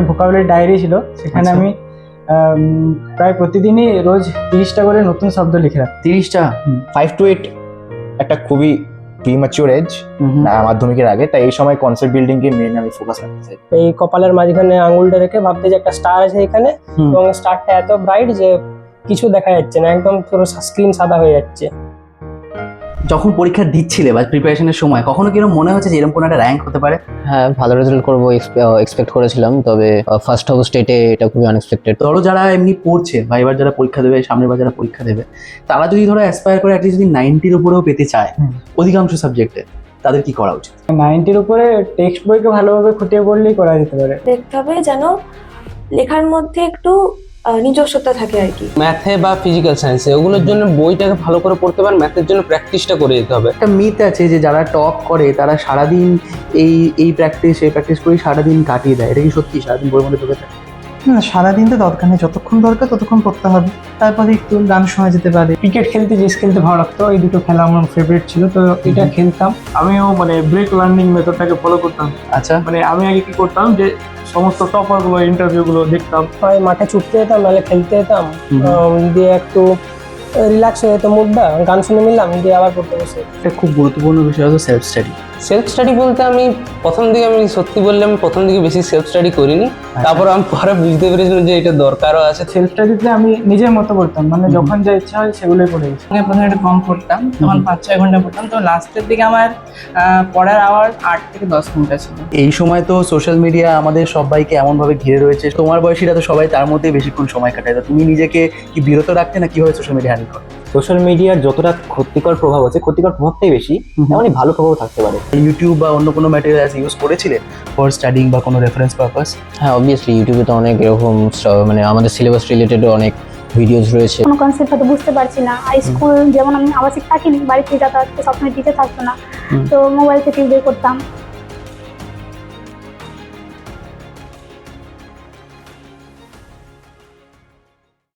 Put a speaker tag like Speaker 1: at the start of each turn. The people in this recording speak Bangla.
Speaker 1: ভোকাবুলারি ডায়েরি ছিল, সেখানে আমি প্রায় প্রতিদিনই রোজ 30টা করে নতুন শব্দ লিখে রাখতাম।
Speaker 2: 30টা? 5 to 8 একটা খুবই প্রিম্যাচিওর এজ মাধ্যমিকের আগে, তাই এই সময় কনসেপ্ট বিল্ডিং কে মেন আমি ফোকাস রাখতে চাই।
Speaker 3: এই কপালের মাঝখানে আঙুলটা রেখে ভাবতে যে একটা স্টার আছে এখানে, এবং স্টারটা এত ব্রাইট যে কিছু দেখা যাচ্ছে না, একদম পুরো স্ক্রিন সাদা হয়ে যাচ্ছে।
Speaker 4: যখন পরীক্ষা দিচ্ছিলে বা প্রিপারেশনের সময় কখনো কিরকম মনে হচ্ছে যে এরকম কোনো একটা র্যাঙ্ক হতে পারে?
Speaker 5: হ্যাঁ, ভালো রেজাল্ট করবো এক্সপেক্ট করেছিলাম, তবে ফার্স্ট হব স্টেটে এটা খুবই আনএক্সপেক্টেড।
Speaker 4: ধরো যারা এমনি পড়ছে বা এবার যারা পরীক্ষা দেবে, সামনের বার যারা পরীক্ষা দেবে, তারা যদি ধরো অ্যাসপায়ার করে অ্যাটলিস্ট যদি 90-র উপরেও পেতে চায় অধিকাংশ সাবজেক্টে, তাদের কি করা উচিত?
Speaker 1: 90-র উপরে টেক্সট বইকে ভালোভাবে খুঁটিয়ে পড়লেই করা যেতে পারে।
Speaker 6: দেখতে হবে যেন লেখার মধ্যে একটু নিজস্বতা থাকে আর কি।
Speaker 7: ম্যাথে বা ফিজিক্যাল সায়েন্সে ওগুলোর জন্য বইটাকে ভালো করে পড়তে পারেন, ম্যাথের জন্য প্র্যাকটিসটা করে যেতে হবে।
Speaker 4: একটা মিথ আছে যে যারা টপ করে তারা সারাদিন এই প্র্যাকটিস করেই সারাদিন কাটিয়ে দেয়। এটা কি সত্যি? সারাদিন বইয়ের মধ্যে ঢুকে থাকে?
Speaker 8: না, সারাদিন তো দরকার নেই, যতক্ষণ দরকার ততক্ষণ পড়তে হবে, তারপরে একটু গান শোনা যেতে পারে।
Speaker 1: ক্রিকেট খেলতে, চেস খেলতে ভালো লাগতো, এই দুটো খেলা আমার ফেভারিট ছিল, তো এটা খেলতাম। আমিও মানে ব্রেক লার্নিং মেথডটাকে ফলো করতাম।
Speaker 4: আচ্ছা,
Speaker 1: মানে আমি আগে কি করতাম যে সমস্ত টপারগুলো ইন্টারভিউগুলো দেখতাম,
Speaker 3: হয় মাঠে ছুটতে যেতাম, নাহলে খেলতে যেতাম, দিয়ে একটু রিল্যাক্স হয়ে যেত মুডটা, গান শুনে নিলাম, দিয়ে আবার পড়তে বসে।
Speaker 4: একটা খুব গুরুত্বপূর্ণ বিষয় হলো সেলফ স্টাডি।
Speaker 7: সেলফ স্টাডি বলতে আমি সত্যি বললে আমি প্রথম দিকে বেশি সেলফ স্টাডি করিনি, তারপর আমি পরে বুঝতে পেরেছিলাম যে এটা দরকারও আছে।
Speaker 1: সেলফ স্টাডিতে আমি নিজের মতো করতাম, মানে যখন যা ইচ্ছা হয় সেগুলোই পড়ে গেছি।
Speaker 9: প্রথমে একটু কম পড়তাম, তখন 5-6 ঘন্টা পড়তাম, তো লাস্টের দিকে আমার পড়ার আওয়ার 8 থেকে 10 ঘন্টা ছিল।
Speaker 4: এই সময় তো সোশ্যাল মিডিয়া আমাদের সবাইকে এমনভাবে ঘিরে রয়েছে, তোমার বয়সীরা তো সবাই তার মধ্যে বেশিক্ষণ সময় কাটায়। তুমি নিজেকে কি বিরত রাখতে না কিভাবে সোশ্যাল মিডিয়া হ্যান্ডেল করো?
Speaker 2: সোশ্যাল মিডিয়ার যতটা ক্ষতিকর প্রভাব আছে, ক্ষতিকর প্রভাবটাই বেশি, তেমনই ভালো প্রভাব থাকতে পারে।
Speaker 4: ইউটিউব বা অন্য কোনো ম্যাটেরিয়ালস ইউজ করেছিলে ফর স্টাডিং বা কোনো রেফারেন্স পারপাস?
Speaker 5: হ্যাঁ, অবভিয়াসলি ইউটিউবে তো অনেক এরকম মানে আমাদের সিলেবাস রিলেটেড অনেক ভিডিওস রয়েছে।
Speaker 10: কোনো কনসেপ্ট হয়তো বুঝতে পারছি না, স্কুল যেমন আমি আবাসিক থাকিনি, বাড়ি থেকে যাতায়াত সবসময় টিচার থাকতো না, তো মোবাইল থেকে বের করতাম,